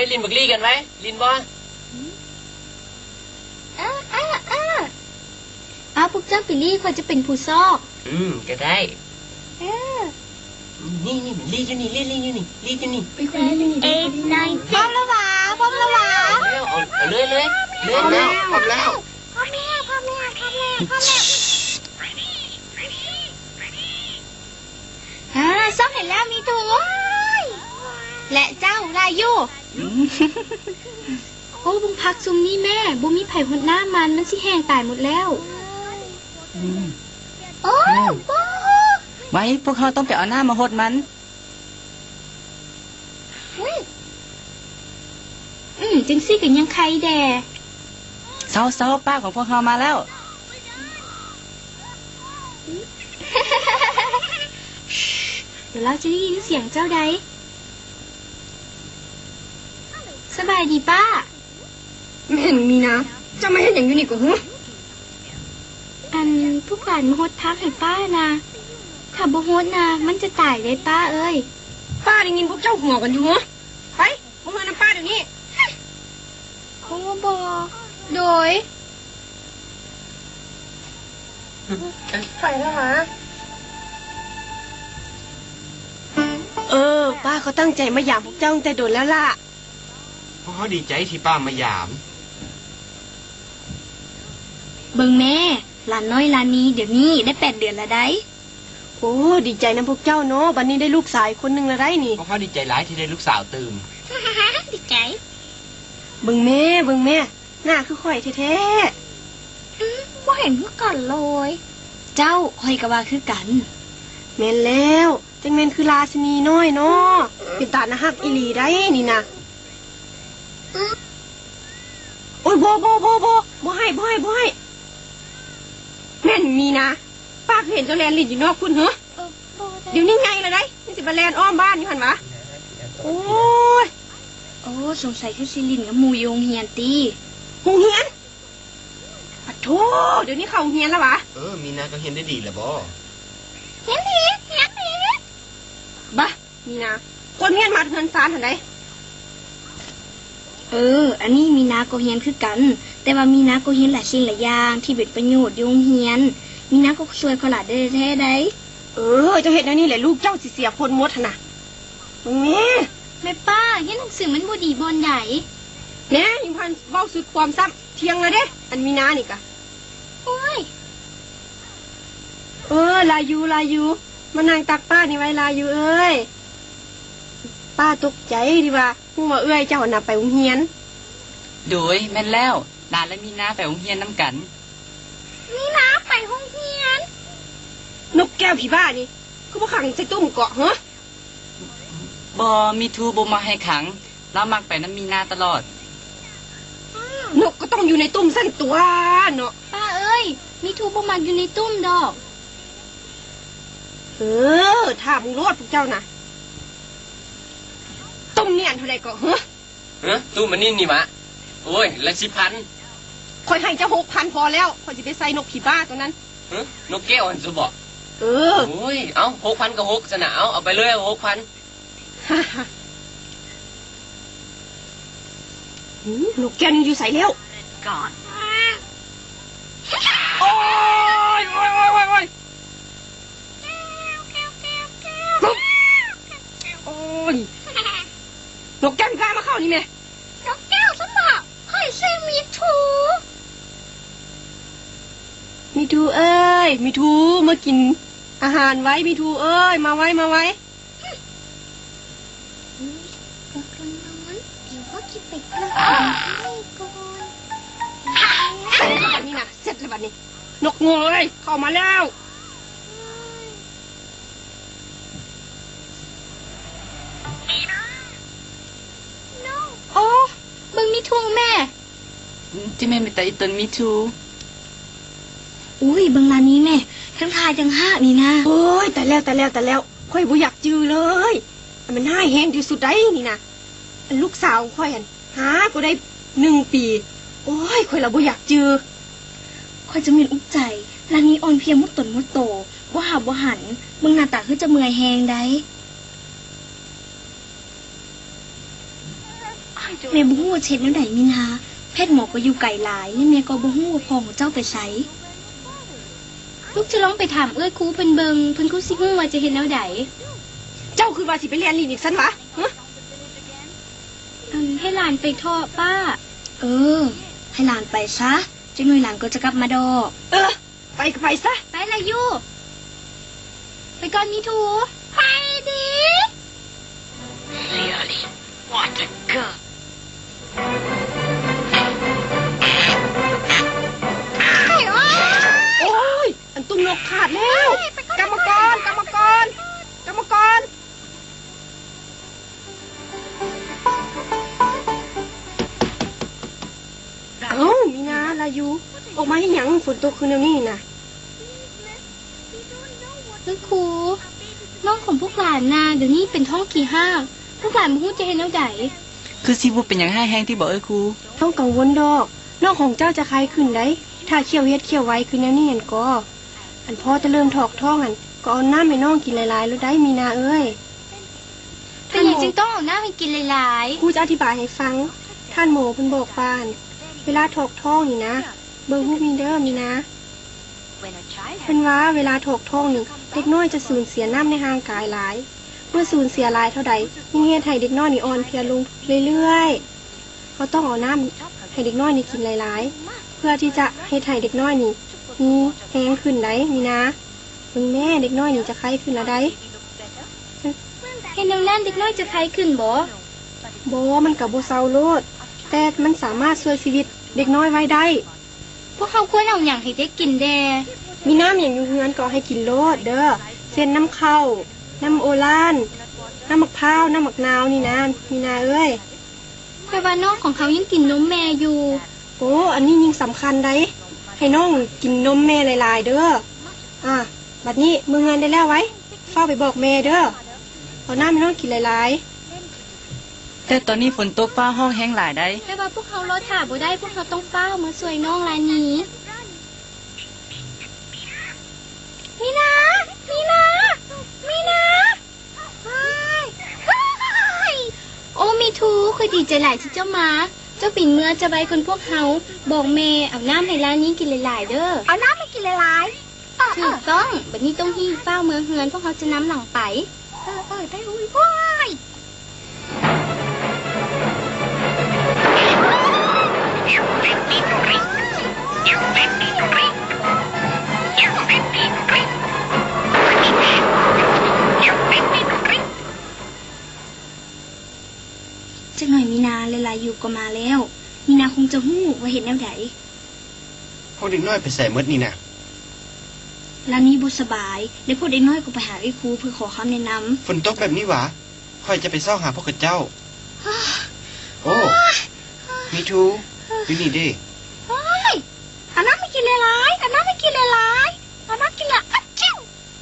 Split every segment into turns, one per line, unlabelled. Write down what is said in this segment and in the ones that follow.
ลินบักลี่กันไหมลินบ่
พวกเจ้าไปลี่ควรจะเป็นผู้ซอก
ก็ได้นี่ลี่อยู่นี่ลี่อยู่นี่ลี่อยู่นี่
ไปคนนี้นี่8 9 10พร้อมแล้วหวาเอา
เลยแล้วพร้อมแล้ว
ซอกเห็นแล้วมีถูและเจ้าลายูโอ้บุ้งพักซุมนี่แม่บุ้มีไผ่หดหน้ามันสิแห้งตายหมดแล้วโอ้
ไว้พวกเขาต้องไปเอาหน้ามาหดมัน
จังซี่กันยังใครแด่
เศร้าป้าของพวกเขามาแล้ว
เดี๋ยวเราจะได้ยินเสียงเจ้าใดสบายดีป้า
ไม่เห็นมีนะเจ้าไม่เห็นอย่างอยู่นี่ก็ฮึ
ผู้การมาฮดพักให้ป้านะถ้าบ่ฮดนะมันจะตายเลยป้าเอ้ย
ป้าได้ยินพวกเจ้าหัวกันอยู่ฮะไปพวกเงินน้ำป้าเดี๋ยวนี้
โอ้บอโดย
ไปแล้วหรอป้าเขาตั้งใจมาหยามพวกเจ้าตั้งแต่โดนแล้วล่ะ
เพราะเขาดีใจที่ป้ามาหยาม
เบิ่งแม่หลานน้อยหลานนี้เดี๋ยวนี้ได้8 เดือนแล้วได้
โอ้ดีใจนะพวกเจ้าเนาะบัดนี้ได้ลูกสาวคนหนึ่งแล้วได้นี่
เพราะเขาดีใจหลายที่ได้ลูกสาวตื่น
ดีใจ
เบิ่งแม่หน้าคือข่อยแท้
ๆบ่เห็นคือกันเลยเจ้าข่อยก็ว่าคือกัน
แม่นแล้วจังแม่นคือราชินีน้อยเนาะเป็นตาหน้าฮักอีหลีได้นี่นะโอ้ยบ่ให้แม่นมีนะป้าเห็นเจ้าแลนลินอยู่นอกคุณเหรอเดี๋ยวนี้ไงล่ะได้นี่สิบาแลนอ้อมบ้านอยู่หันวะโอ้
สงสัยคือซิลินกับมูยงเฮียนตี
หงเฮียนปะโถเดี๋ยวนี้เขาเฮียนแล้ววะ
มีนาก็เฮียนได้ดีแหละบ่
เฮียนดี
บ้ามีนาคนเฮียนมาเงินซานหันได
อันนี้มีนาก็เฮียนคือกันแต่ว่ามีนาก็เฮียนหลายสิ่งหลายอย่างที่เป็นประโยชน์ยงเฮียนมีนาก็ช่วยเขาหลายได้แท้ได้
เจ้าเห็นแล้วนี่แหละลูกเจ้าสิเสียคนมดนะ
แม่ป้าเฮียนหนังสือมันบ่ดีบอนใหญ่
แน่ยิงพันเบ้าสุดความซ้ำเทียงเลยเด้อันมีนานี่กะ
โอ้ย
ลายูมานั่งตักป้านี่ไว้ลายูเอ้ยป้าตกใจดีว่าพูดว่าเจ้าหนับไปโรงเรียน
โดยแม่นแล้วดาและมีนาไปโรงเรียนน้ำกัน
มีนาไปโรงเรียน
นกแก้วผีบ้านี่เขาบอกขังใส่ตุ้มเกาะเหรอ
มีทูบ่มาให้ขังแล้วมักไปน้ำมีนาตลอด
นกก็ต้องอยู่ในตุ้มสั้นตัวเนาะ
ป้าเอ้ยมีทูบ่มาอยู่ในตุ้มดอก
ถ้ามึงรอดพวกเจ้านะตุ้มเนี่ยเท่าไรก็
ตุ้มมันนี่วะโอ้ยละ
10,000คอยให้เจ้า6,000พอแล้วคอยจะไปใส่นกผีบ้าตัวนั้น
นกแก้วอันจะบอกโอ้ยเอา6,000กับ6สนะเอาไปเลย6,000
นกแก้วนี่อยู่ใส่แล้ว
ก่อน
โอ้ยนกแก้วมีพามาเข้านี่แม่
นกแก้วสมบัติค่อยซื้อมีทู
เอ้ยมีทูมากินอาหารไว้มีทูเอ้ยมาไว้
ก็นอนเดี๋ยวก็คิดไปกระโดดให้ก่อน
นี่นะเสร็จแล้วบัดนี้นกงูเลยเข้ามาแล้ว
เบิ่งมีทูแม่
ที่แม่ไม่แต่อีตนมีทู
อุ้ยเบิ่งร้านนี้แม่ทั้งทายทั้งห้านี่นะ
โอ้ยแต่แล้วค่อยบ่อยากจือเลยมันน่าแห้งที่สุดได้นี่นะลูกสาวค่อยหาก็ได้1 ปีโอ้ยค่อยละบ่อยากจือ
ค่อยจะมีอุกใจร้านนี้อ่อนเพียงมุดตนมุดโตบ่หาบ่หันเบิ่งหน้าตาคือจะเมื่อยแหงได้
จ
แม่บ่ฮู้ว่าเช็ดแนวใดมีนาแพทย์หมอก็อยู่ไกลหลายและแม่ก็บ่ฮู้ว่าพ่อของเจ้าไปไสลูกจะลองไปถามเอ้ยครูเพิ่นเบิ่งเพิ่นครูสิฮู้ว่าจะเฮ็ดแนวใด
เจ้าคือว่าสิไปเรียนลีนอีกซั่นวะฮะ
ให้หลานไปเถอะป้า ให้หลานไปซะจังหน่อยหลานก็จะกลับมาดอก
ไปก็ไปซะ
ไปละยูไปก่อนมีทูไปดิ
Really what a girl
โอ้ยอันตุ้มนกขาดแล้วกรรมกรเอ้ามีนาลายูออกมาให้หยังฝนตกคืนนี้น่ะ
เอ้ยครูน้องของพวกหลานน่ะเดี๋ยวนี้เป็นท้องกี่ห้างพวกหลานบ่ฮู้จะเฮ็ดแนวใด
คือสิบ่เป็นหยังให้แห้งที่บอกเอ้ยครู
ต้องกังวลดอกน้องของเจ้าจะคลายขึ้นได้ถ้าเคี่ยวเฮ็ดเคี่ยวไว้คืนนี้อันก็อันพ่อจะเริ่มถอกท้องอันก็เอาน้ำให้น้องกินหลายๆแล้วได้มีนาเอ้ย
เป็นหยังจึงต้องเอาน้ำให้กินหลาย
ครูจะอธิบายให้ฟังท่านหมอเพิ่นบอกปานเวลาถอกท้องนี่นะเบิ่งฮู้มีเด้อมีนะเพิ่นว่าเวลาถอกท้องนี่เด็กน้อยจะสูญเสียน้ำในร่างกายหลายเมื่อสูญเสียหลายเท่าใดยิ่งเฮ็ดให้เด็กน้อยนี่อ่อนเพลียลงเรื่อยๆเขาต้องเอาน้ำให้เด็กน้อยนี่กินหลายๆเพื่อที่จะให้ให้เด็กน้อยนี่มีแรงขึ้นได้มีนะเบิ่งแม่เด็กน้อยนี่จะไข้ขึ้นแล้วได้
ๆให้แนวนั้นเด็กน้อยจะไข้ขึ้นบ่
บ่มันก็บ่เซาโลดแต่มันสามารถช่วยชีวิตเด็กน้อยไว้ได้
พวกเขาควรเอาหยังให้เด็กกินแด
มีน้ำอย่างอยู่เฮือนก็ให้กินโลดเด้อเช่นน้ำข้าวน้ำโอลานน้ำมะพร้าวน้ำมะนาวนี่นะมีนาเอ้ย
แต่ว่าน้องของเขายังกินนมแม่อยู่
โอ้อันนี้ยิ่งสำคัญได้ให้น้องกินนมแม่หลายๆเด้อบัดนี้มืองานได้แล้วไว้เฝ้าไปบอกแม่เด้อเอาน้ำให้น้องกินหลาย
แต่ตอนนี้ฝนตกฟ้าห้องแห้งหลายได้
แต่ว่าพวกเขารอถ่าบ่ได้พวกเขาต้องเฝ้ามาช่วยน้องร้านนี้มีนาโอ้มีทูคือดีใจหลายที่เจ้ามาเจ้าปิ่นเมื่อจะไว้คนพวกเขาบอกแม่เอาน้ำให้ร้านนี้กินหลายๆเด้อเอาน้ำให้กินหลายๆถูกต้องบัดนี้ต้องหิ้วเฝ้าเมืองเฮือนพวกเขาจะน้ำหลังไปได้อุ้ยพ่อยจักหน่อยมีนาหลายๆอยู่ก็มาแล้วมีนาคงจะฮู้ว่าเห็นแนวใด
พวกเด็กน้อยไปใส่มดนี่นะ
ร้านนี้บ่สบายแล้วพวกเด็กน้อยก็ไปหาไอ้ครูเพื่อขอคำแนะนำ
ฝนตกแบบนี้หวะค่อยจะไปเศร้าหาพวกเจ้า โอ้มีทูอยู่นี่เด้
เฮ้ยเอาน้ำไม่กินหลายๆเอาน้ำไม่กินหลายๆเอาน้ำกินละอัดจิ้ว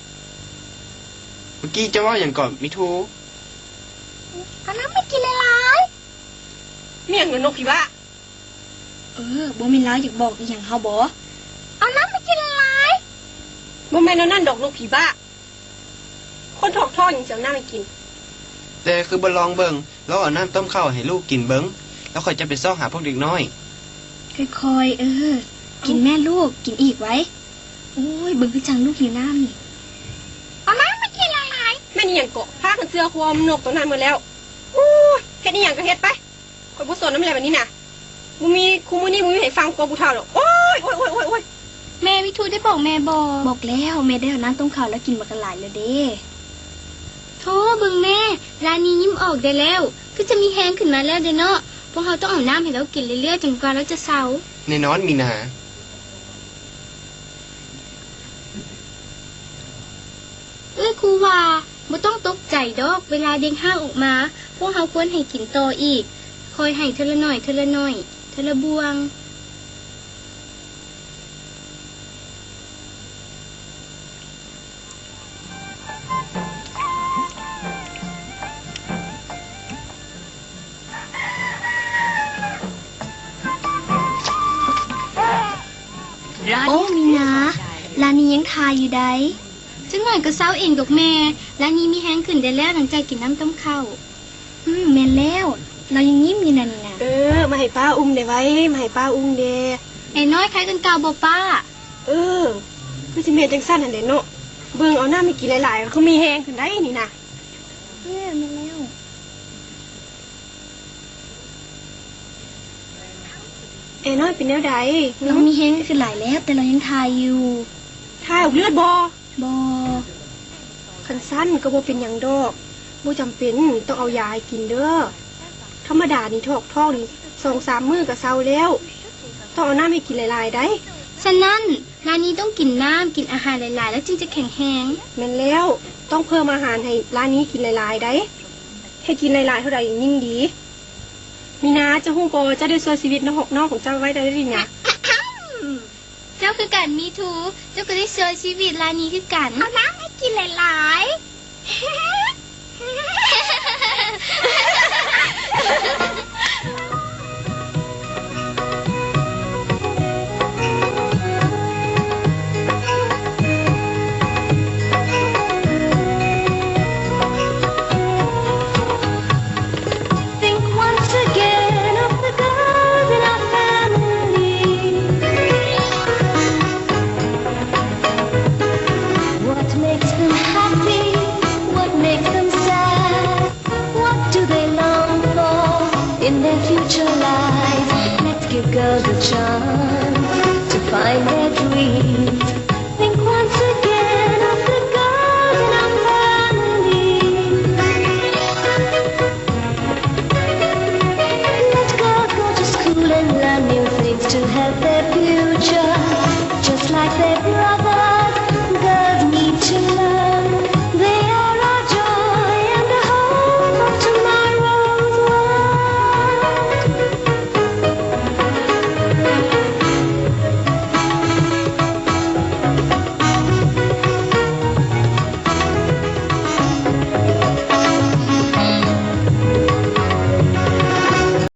เมื่อกี้เจะว่าอย่างก่อนมีทู
เอาน้ำไม่กินหลาย
ๆเมี่ยงเงินนกพิราบ
บ่แม่นลาวอยากบอกอีหยังเฮาบ่เอาน้ำไม่กินหลาย
บ่แม่นนั่นดอกนกผีบ้าคนถอกท้องอย่างเสียวหน้าไม่กิน
แต่คือบลองเบิงแล้วเอาน้ำต้มข้าวให้ลูกกินเบิงแล้วค่อยจะไปเศร้าหาพวกเด็กน้อย
ค่อยๆกินแม่ลูกกินอีกไว้โอ้ยเบิ่งคือจังลูกหิวน้ำนี่เอาน้ำไม่กินหลาย
แม่นี่หยังเกาะพากันเสื้อความนกตัวนั้นหมดแล้วอู้เฮ็ดนี่หยังก็เฮ็ดไปข่อยบ่สนน้ำอะไรแบบนี้น่ะบ่มีคุมื้อนี้บ่มีให้ฟังกลัวผู้เฒ่าดอกโอ้ย
แม่วิทูได้บอกแม่บอกแล้วแม่ได้เอาน้ำต้มข้าวแล้วกินบักหลายแล้วเด้โธ่เบิ่งแม่ร้านนี้ยิ้มออกได้แล้วคือจะมีแฮงขึ้นมาแล้วเด้เนาะพวกเราต้องเอาน้ำให้เรากินเรื่อยๆจนกว่าเราจะเซา
ในนอนมีนา
ครูว่าบ่ต้องตกใจดอกเวลาเด็กห้างออกมาพวกเราควรให้กินต่ออีกคอยให้เทอละหน่อยเทอละบวงโอ้มีนาร้านนี้ยังทายอยู่ได้จังหน่อยก็เศร้าเองดอกแม่ร้านนี้มีแห้งขึ้นได้แล้วหลังจากกินน้ำต้มข้าวแม่นแล้วเรายังยิ้มอยู่นั่นน่ะ
มาให้ป้าอุ้มได้ไว้มาให้ป้าอุ้มเด้
ไอ้น้อยใครกันเก่าบ่ป้า
คือสิเมจังสั้นอันเด่นเนาะเบิ่งเอาหน้าไม่กินหลายๆเขามีแหงขึ้นได้นี่นะ
มาแล้ว
ไอ้น้อยเป็นแนวใด
เรามีเฮงคือหลายแล้ว แต่เรายังทายอยู่
ถ่ายออกเลือดบ่
บ่
คันสั้นก็บ่เป็นหยังดอกบ่จำเป็นต้องเอายาให้กินเด้อธรรมดานี่ท้องนี่2-3 มื้อก็เซาแล้วต้องเอาน้ำให้กินหลายๆได้
ฉะนั้นร้านนี้ต้องกินน้ำกินอาหารหลายๆ แล้วจึงจะแข็งแรง
แม่นแล้วต้องเพิ่มอาหารให้ร้านนี้กินหลายๆได้ให้กินหลายๆเท่าใดยิ่งดีมีนาจะฮู้บ่จะได้ช่วยชีวิตน้องของเจ้าไว้ได้หรือยัง
เจ้าคือกันมีทูเจ้าก็ได้ช่วยชีวิตร้านนี้คือกันเอาน้ำให้กินหลาย
In their future lives, let's give girls a chance to find their dreams. Think once again of the girls in our family. Let girls go to school and learn new things to help their future, just like their brothers.